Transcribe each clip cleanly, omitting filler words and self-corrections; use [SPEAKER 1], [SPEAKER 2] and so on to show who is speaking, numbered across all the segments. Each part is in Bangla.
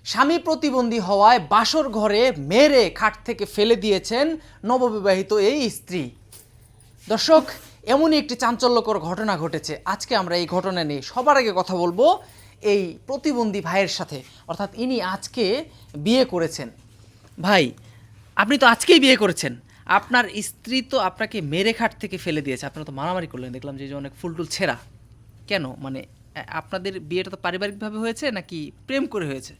[SPEAKER 1] স্বামী প্রতিবন্ধী হওয়ায় বাসর ঘরে মেরে খাট থেকে ফেলে দিয়েছেন নববিবাহিত এই স্ত্রী। দর্শক, এমনই একটি চাঞ্চল্যকর ঘটনা ঘটেছে। আজকে আমরা এই ঘটনা নিয়ে সবার আগে কথা বলবো এই প্রতিবন্ধী ভাইয়ের সাথে, অর্থাৎ ইনি আজকে বিয়ে করেছেন। ভাই, আপনি তো আজকেই বিয়ে করেছেন, আপনার স্ত্রী তো আপনাকে মেরে খাট থেকে ফেলে দিয়েছে, আপনারা তো মারামারি করলেন, দেখলাম যে অনেক ফুলটুল ছেঁড়া। কেন? মানে আপনাদের বিয়েটা তো পারিবারিকভাবে হয়েছে নাকি প্রেম করে হয়েছে?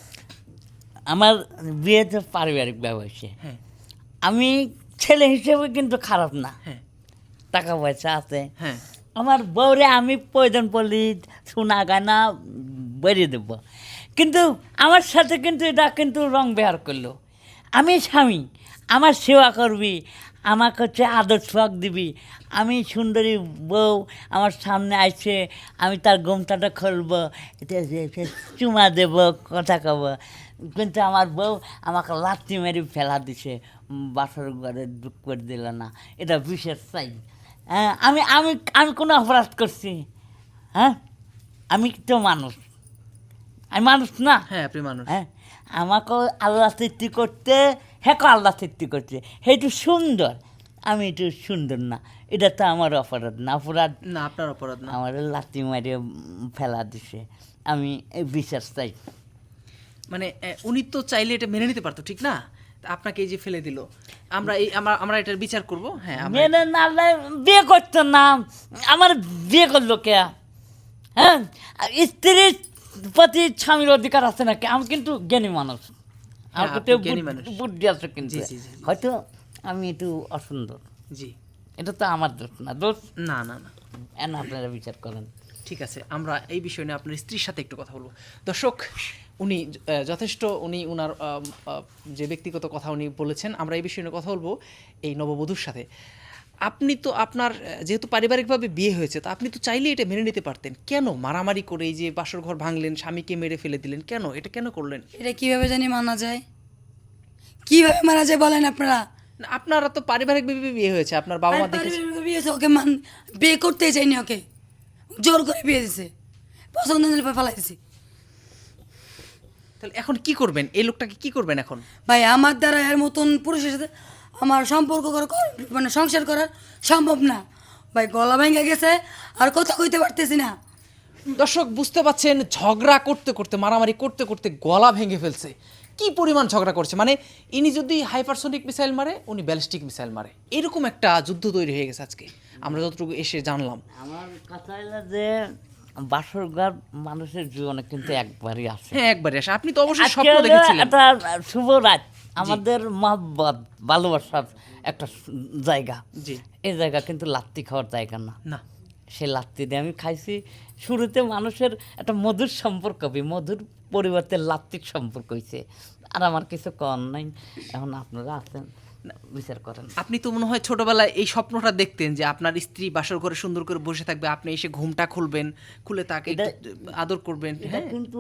[SPEAKER 2] আমার বিয়ে তো পারিবারিকভাবে হয়েছে।
[SPEAKER 1] হ্যাঁ
[SPEAKER 2] আমি ছেলে হিসেবে কিন্তু খারাপ না,
[SPEAKER 1] হ্যাঁ
[SPEAKER 2] টাকা পয়সা আছে।
[SPEAKER 1] হ্যাঁ
[SPEAKER 2] আমার বউরে আমি প্রয়োজন পড়লি সোনা গানা বেরিয়ে দেব, কিন্তু আমার সাথে কিন্তু এটা কিন্তু রং ব্যবহার করলো। আমি স্বামী, আমার সেবা করবি, আমাকে হচ্ছে আদর সোয়াগ দিবি। আমি সুন্দরী বউ আমার সামনে আসছে, আমি তার গোমটাটা খুলবো, এটা চুমা দেব, কথা কব, কিন্তু আমার বউ আমাকে লাথি মেরে ফেলা দিছে, বাসর ঘরে দুঃখ করে দিল না। এটা বিশেষ চাই। হ্যাঁ, আমি আমি আমি কোনো অপরাধ করছি? হ্যাঁ, আমি তো মানুষ, আমি মানুষ না?
[SPEAKER 1] হ্যাঁ, আপনি মানুষ।
[SPEAKER 2] হ্যাঁ, আমাকেও আল্লাহ সৃষ্টি করতে, হ্যাঁ আল্লাহ সৃষ্টি করছে, একটু সুন্দর, আমি একটু সুন্দর না, এটা তো আমার অপরাধ না? অপরাধ
[SPEAKER 1] না, আপনার অপরাধ না।
[SPEAKER 2] আমার লাথি মারে ফেলা দিছে, আমি এই বিশ্বাস চাই।
[SPEAKER 1] মানে উনি তো চাইলে এটা মেনে নিতে পারতো, ঠিক না? তা আপনাকে এই যে ফেলে দিল, আমরা আমরা এটার বিচার করব। হ্যাঁ,
[SPEAKER 2] মেনে না বিয়ে করতো না, আমার বিয়ে করলো কে? হ্যাঁ, স্ত্রীর প্রতি স্বামীর অধিকার আছে নাকি? আমি কিন্তু জ্ঞানী মানুষ, আমার
[SPEAKER 1] আপনি
[SPEAKER 2] প্রতি
[SPEAKER 1] জ্ঞানী মানুষ।
[SPEAKER 2] বুদ্ধি আছে, কিন্তু
[SPEAKER 1] জি, জি, জি, জি।
[SPEAKER 2] হয়তো আমি একটু অসুন্দর,
[SPEAKER 1] জি।
[SPEAKER 2] এটা তো আমার দোষ না। দোষ
[SPEAKER 1] না না না,
[SPEAKER 2] এন আপনারা বিচার করেন।
[SPEAKER 1] ঠিক আছে, আমরা এই বিষয় নিয়ে আপনার স্ত্রীর সাথে একটু কথা বলবো। দর্শক, উনি যথেষ্ট উনি উনার যে ব্যক্তিগত কথা উনি বলেছেন, আমরা এই বিষয় নিয়ে কথা বলবো এই নববধূর সাথে। আপনি তো আপনার যেহেতু পারিবারিকভাবে বিয়ে হয়েছে, তা আপনি তো চাইলে এটা মেনে নিতে পারতেন, কেন মারামারি করে এই যে বাসর ঘর ভাঙলেন, স্বামীকে মেরে ফেলে দিলেন, কেন এটা কেন করলেন?
[SPEAKER 3] এটা কিভাবে জানি মানা যায়? কিভাবে মানা যায় বলেন আপনারা?
[SPEAKER 1] না, আপনারা তো পারিবারিকভাবে বিয়ে হয়েছে, আপনার বাবা মা দেখেছে।
[SPEAKER 3] পারিবারিক বিয়ে হয়েছে, ওকে বিয়ে করতেই চাইনি, ওকে জোর করে বিয়ে দিছে, পছন্দ হলে ফেলাই দিছে।
[SPEAKER 1] তাহলে এখন কি করবেন? এই লোকটাকে কি করবেন এখন?
[SPEAKER 3] ভাই, আমার দ্বারা এর মতন পুরুষের সাথে আমার সম্পর্ক মানে সংসার করার সম্ভব না ভাই। গলা ভেঙে গেছে, আর কথা কইতে পারতেছি না।
[SPEAKER 1] দর্শক, বুঝতে পাচ্ছেন, ঝগড়া করতে করতে, মারামারি করতে করতে গলা ভেঙে ফেলছে। কি পরিমাণ ঝগড়া করছে! মানে ইনি যদি হাইপারসনিক মিসাইল মারে, উনি ব্যালিস্টিক মিসাইল মারে, এরকম একটা যুদ্ধ তৈরি হয়ে গেছে আজকে, আমরা যতটুকু এসে জানলাম।
[SPEAKER 2] আমার কথা হলো যে বাসর ঘর মানুষের জীবনে কিন্তু একবারই আসে।
[SPEAKER 1] হ্যাঁ, একবারে আসে। আপনি তো অবশ্যই
[SPEAKER 2] আজকে
[SPEAKER 1] স্বপ্ন
[SPEAKER 2] হলো
[SPEAKER 1] দেখেছিলেন।
[SPEAKER 2] একটা শুভ রাত, আমাদের মহব্বত ভালোবাসার একটা জায়গা।
[SPEAKER 1] জি।
[SPEAKER 2] এই জায়গা কিন্তু লাত্তি খাওয়ার জায়গা না।
[SPEAKER 1] না,
[SPEAKER 2] সে লাত্তি দিয়ে আমি খাইছি। শুরুতে মানুষের একটা মধুর সম্পর্ক হবে, মধুর পরিবর্তে লাত্তির সম্পর্ক হয়েছে। আর আমার কিছু কর নাই, এখন আপনারা আছেন, বিচার করেন।
[SPEAKER 1] আপনি তো মনে হয় ছোটবেলায় এই স্বপ্নটা দেখতেন যে আপনার স্ত্রী বাসর ঘরে সুন্দর করে বসে থাকবে, আপনি এসে ঘুমটা খুলবেন, খুলে তাকে একটু আদর করবেন।
[SPEAKER 2] এটা
[SPEAKER 1] হ্যাঁ,
[SPEAKER 2] কিন্তু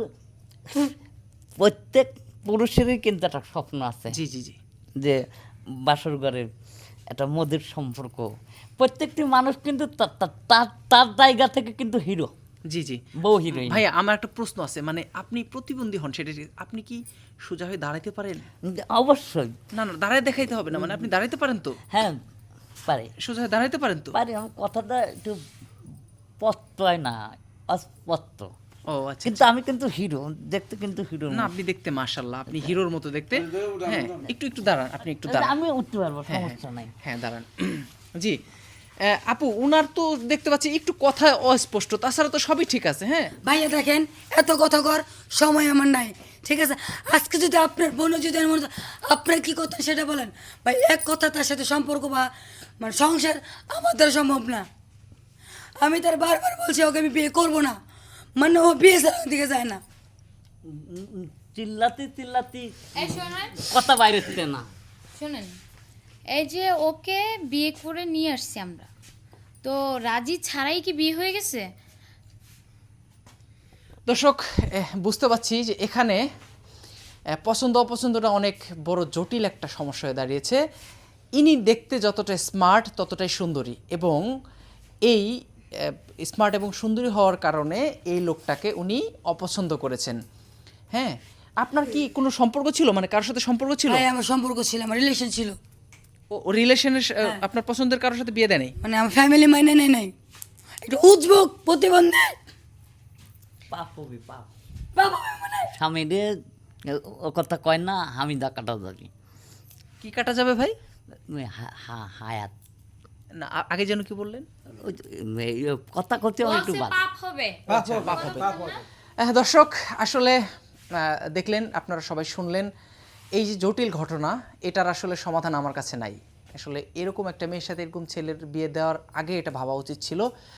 [SPEAKER 2] প্রত্যেক পুরুষেরই কিন্তু একটা স্বপ্ন আছে,
[SPEAKER 1] জি জি জি।
[SPEAKER 2] যে বাসর ঘরের একটা মধুর সম্পর্ক। প্রত্যেকটি মানুষ কিন্তু তার জায়গা থেকে কিন্তু হিরো,
[SPEAKER 1] জি জি।
[SPEAKER 2] বউ হিরোইন।
[SPEAKER 1] ভাইয়া, আমার একটা প্রশ্ন আছে, মানে আপনি প্রতিবন্ধী হন, সেটা ঠিক, আপনি কি সোজা হয়ে দাঁড়াইতে পারেন?
[SPEAKER 2] অবশ্যই।
[SPEAKER 1] না না, দাঁড়ায় দেখাইতে হবে না, মানে আপনি দাঁড়াইতে পারেন তো?
[SPEAKER 2] হ্যাঁ, পারে
[SPEAKER 1] সোজা হয়ে দাঁড়াইতে পারেন তো?
[SPEAKER 2] পারে। আমার কথাটা একটু স্পষ্ট হয় না, অস্পষ্ট।
[SPEAKER 1] ও আচ্ছা।
[SPEAKER 2] কিন্তু আমি কিন্তু হিরো, দেখতে কিন্তু হিরো
[SPEAKER 1] না, আপনি দেখতে মাশাআল্লাহ, আপনি হিরোর মতো দেখতে। হ্যাঁ, একটু একটু দাঁড়ান, আপনি একটু দাঁড়ান।
[SPEAKER 2] আমি উঠতে পারবো,
[SPEAKER 1] হ্যাঁ,
[SPEAKER 2] সমস্যা নাই।
[SPEAKER 1] হ্যাঁ, দাঁড়ান। জি। আপু, উনার তো দেখতে পাচ্ছি একটু কথা অস্পষ্ট, তাছাড়া তো সবই ঠিক আছে। হ্যাঁ
[SPEAKER 3] ভাইয়া দেখেন, এত কথা কর সময় আমার নাই, ঠিক আছে? আজকে যদি আপনার বোনও যদি এমন হতো, আপনার কী করতেন সেটা বলেন ভাই। এক কথা, তার সাথে সম্পর্ক বা মানে সংসার আমার দ্বারা সম্ভব না। আমি তার বারবার বলছি ওকে আমি বিয়ে করবো না, মানে ও বিয়ে ছাড়া দিকে যায় না।
[SPEAKER 2] চিল্লাতি চিল্লাতি
[SPEAKER 4] এই শোনেন,
[SPEAKER 2] কথা বাইরে হচ্ছে না।
[SPEAKER 4] শোনেন, এই যে ওকে বিয়ে করে নিয়ে আসছি আমরা, তো রাজি ছাড়াই কি বিয়ে হয়ে গেছে?
[SPEAKER 1] দর্শক, বুঝতে পারছি যে এখানে পছন্দ অপছন্দটা অনেক বড় জটিল একটা সমস্যা হয়ে দাঁড়িয়েছে। ইনি দেখতে যতটা স্মার্ট ততটাই সুন্দরী, এবং এই স্মার্ট এবং সুন্দরী হওয়ার কারণে এই লোকটাকে উনি অপছন্দ করেছেন। হ্যাঁ, আপনার কি কোনো সম্পর্ক ছিল, মানে কারোর সাথে সম্পর্ক ছিল?
[SPEAKER 3] ভাই আমার সম্পর্ক ছিল, আমার রিলেশন ছিল,
[SPEAKER 1] ও রিলেশনের আপনার পছন্দের কারোর সাথে বিয়ে দেয় নাই?
[SPEAKER 3] মানে আমার ফ্যামিলি মাইনে নেয় নাই, একটু উদ্ভোগ প্রতিবন্ধী
[SPEAKER 2] পাপ হবি পাপ।
[SPEAKER 3] বাবা মানে
[SPEAKER 2] স্বামী রে ও কথা কয় না, আমি দা কাটা যাবি
[SPEAKER 1] কি কাটা যাবে ভাই?
[SPEAKER 2] হায়াত
[SPEAKER 1] না আগে যেন কি বললেন?
[SPEAKER 2] ওই যে, এই কথা করতে আমার একটু
[SPEAKER 4] বলছে
[SPEAKER 2] বাদ।
[SPEAKER 4] পাপ হবে।
[SPEAKER 1] দর্শক আসলে দেখলেন, আপনারা সবাই শুনলেন, এই যে জটিল ঘটনা, এটার আসলে সমাধান আমার কাছে নাই। আসলে এরকম একটা মেয়ের সাথে এরকম ছেলের বিয়ে দেওয়ার আগে এটা ভাবা উচিত ছিল।